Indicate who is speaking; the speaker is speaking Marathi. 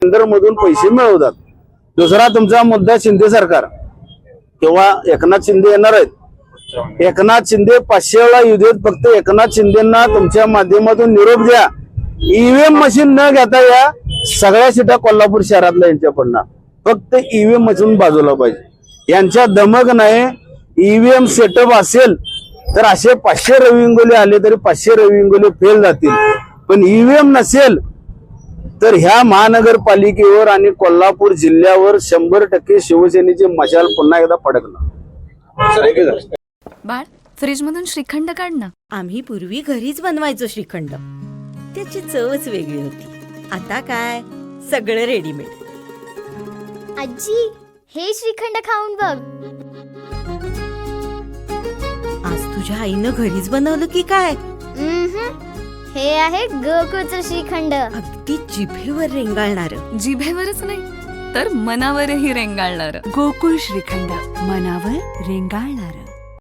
Speaker 1: केंद्रामधून पैसे मिळवतात। दुसरा तुमचा मुद्दा शिंदे सरकार किंवा एकनाथ शिंदे येणार आहेत। एकनाथ शिंदे 500 वेळा येऊ देत, फक्त एकनाथ शिंदेना तुमच्या माध्यमातून निरोप द्या, ईव्हीएम मशीन न घेता या सगळ्या सीटा कोल्हापूर शहरातल्या यांच्या पडणार, फक्त ईव्हीएम मशीन बाजूला पाहिजे। यांच्या दमक नाही, ईव्हीएम सेटअप असेल तर असे 500 रवी इंगोले आले तरी 500 रवी इंगोले फेल जातील, पण ईव्हीएम नसेल तर ह्या महानगरपालिकेवर आणि कोल्हापूर जिल्ह्यावर 100% शिवसेनेची मशाल पुन्हा एकदा फडकणार।
Speaker 2: बाळ, फ्रीज मधून श्रीखंड काढ ना।
Speaker 3: आम्ही पूर्वी घरीच बनवायचो श्रीखंड, त्याची चवच वेगळी होती। आता काय सगळं रेडीमेड।
Speaker 4: आजी, हे श्रीखंड खाऊन बघ।
Speaker 3: आज तुझ्या आईनं घरीच बनवलं की काय?
Speaker 4: हे आहे गोकुळचं श्रीखंड,
Speaker 3: अगदी जिभेवर रेंगाळणार।
Speaker 2: जिभेवरच नाही तर मनावरही रेंगाळणार।
Speaker 5: गोकुळ श्रीखंड, मनावर रेंगाळणार।